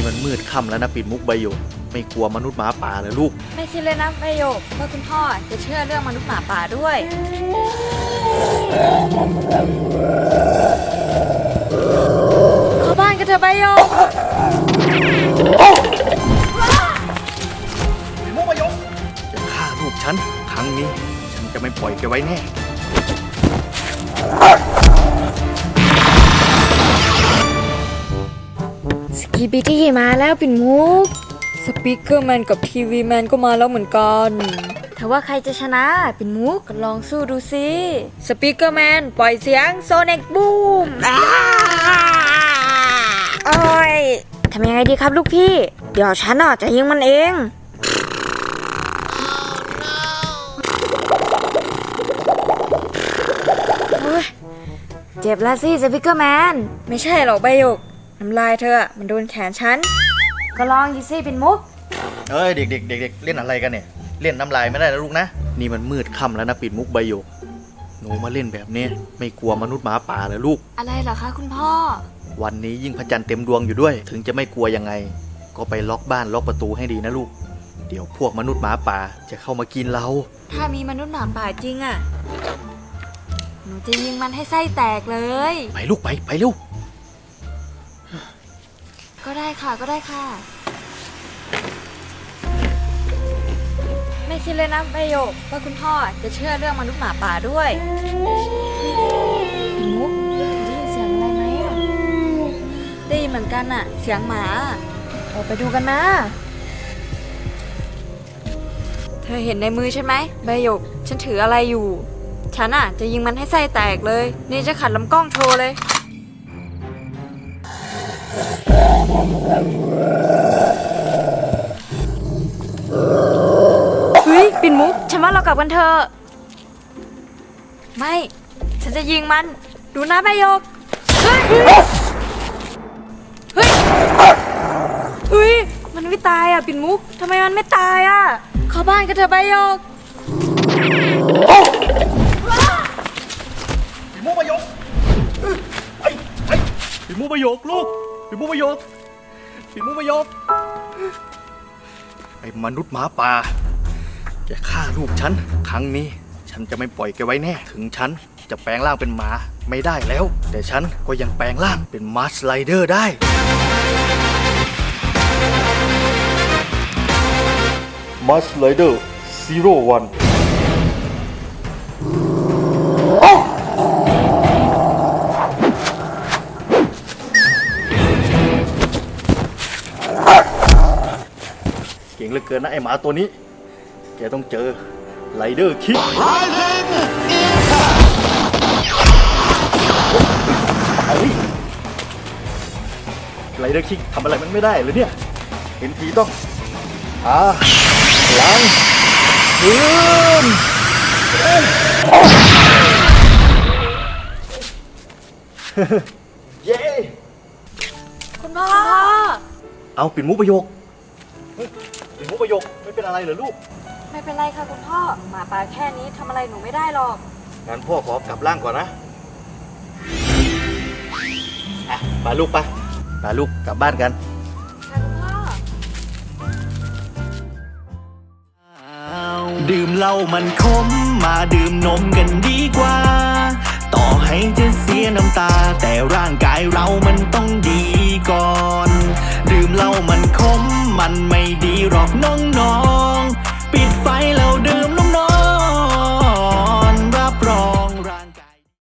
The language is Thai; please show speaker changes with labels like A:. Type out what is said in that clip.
A: มันมืดค่ำแล้วนะปิ่นมุกใบหยกไม่กลัวมนุษย์หมาป่าเลยลูก
B: ไม่คิดเลยนะใบหยกว่าคุณพ่อจะเชื่อเรื่องมนุษย์หมาป่าด้วยเข้าบ้านกันเถอะใบหยก
A: ปิ่นมุกใบหยกจะฆ่าลูกฉันครั้งนี้ฉันจะไม่ปล่อยแกไว้แน่
B: สกีบิดี้มาแล้วปิ่นมุกสปีกเกอร์แมนกับทีวีแมนก็มาแล้วเหมือนกันแต่ว่าใครจะชนะปิ่นมุกก็ลองสู้ดูสิสปีกเกอร์แมนปล่อยเสียงโซนิกบูมโอ้ยทำยังไงดีครับลูกพี่เดี๋ยวฉันจะยิงมันเองเจ็บแล้วสิสปีกเกอร์แมนไม่ใช่หรอกใบหยกน้ำลายเธอมันโดนแขนฉันก็ลองดิสิเป็นมุก
A: เอ้ยเด็กเล่นอะไรกันเนี่ยเล่นน้ำลายไม่ได้นะลูกนะนี่มันมืดค่ำแล้วนะปิ่นมุกใบหยกหนูมาเล่นแบบนี้ไม่กลัวมนุษย์หมาป่าเลยลูก
B: อะไรเหรอคะคุณพ่อ
A: วันนี้ยิ่งพระจันทร์เต็มดวงอยู่ด้วยถึงจะไม่กลัวยังไงก็ไปล็อกบ้านล็อกประตูให้ดีนะลูกเดี๋ยวพวกมนุษย์หมาป่าจะเข้ามากินเรา
B: ถ้ามีมนุษย์หมาป่าจริงหนูจะยิงมันให้ไส้แตกเลย
A: ไปลูกไปเร็ว
B: ก็ได้ค่ะไม่คิดเลยนะใบหยกว่าคุณพ่อจะเชื่อเรื่องมนุษย์หมาป่าด้วยมุกได้ยินเสียงอะไรไหมได้ยินเหมือนกันเสียงหมาออกไปดูกันนะเธอเห็นในมือใช่ไหมใบหยกฉันถืออะไรอยู่ฉันจะยิงมันให้ไส้แตกเลยนี่จะขัดลำกล้องโชว์เลยเฮ้ยปิ่นมุกฉันว่าเรากลับกันเถอะไม่ฉันจะยิงมันดูนะใบหยกเฮ้ยมันไม่ตายปิ่นมุกทำไมมันไม่ตายเข้าบ้านกันเถอะใบหยก
A: ปิ่นมุกใบหยกปิ่นมุกใบหยกลูกปิ่นมุกใบหยกไอ้มนุษย์หมาป่าแกฆ่าลูกฉันครั้งนี้ฉันจะไม่ปล่อยแกไว้แน่ถึงฉันจะแปลงร่างเป็นหมาไม่ได้แล้วแต่ฉันก็ยังแปลงร่างเป็นมาร์ชไรเดอร์ได้มาร์ชไรเดอร์01เก่งเหลือเกินนะไอหมาตัวนี้แกต้องเจอไรเดอร์คิกไรเดอร์คิกทำอะไรมันไม่ได้เลยเนี่ยเห็นทีต้องหลังยืนเย้
B: คุณพ่อ
A: เอาปิ่นมุกประโยคปิ่นมุกประโยคไม่เป็นอะไรเหรอลูก
B: ไม่เป็นไรค่ะคุณพ่อหมาป่าแค่นี้ทำอะไรหนูไม่ได้หรอก
A: งั้นพ่อขอกลับร่างก่อนนะไปลูกกลับบ้านกัน
B: ค่ะคุณพ่อ
C: ดื่มเหล้ามันขมมาดื่มนมกันดีกว่าต่อให้จะเสียน้ำตาแต่ร่างกายเรามันต้องดีก่อนดื่มเหล้ามันขมมันไม่ดีหรอกน้อง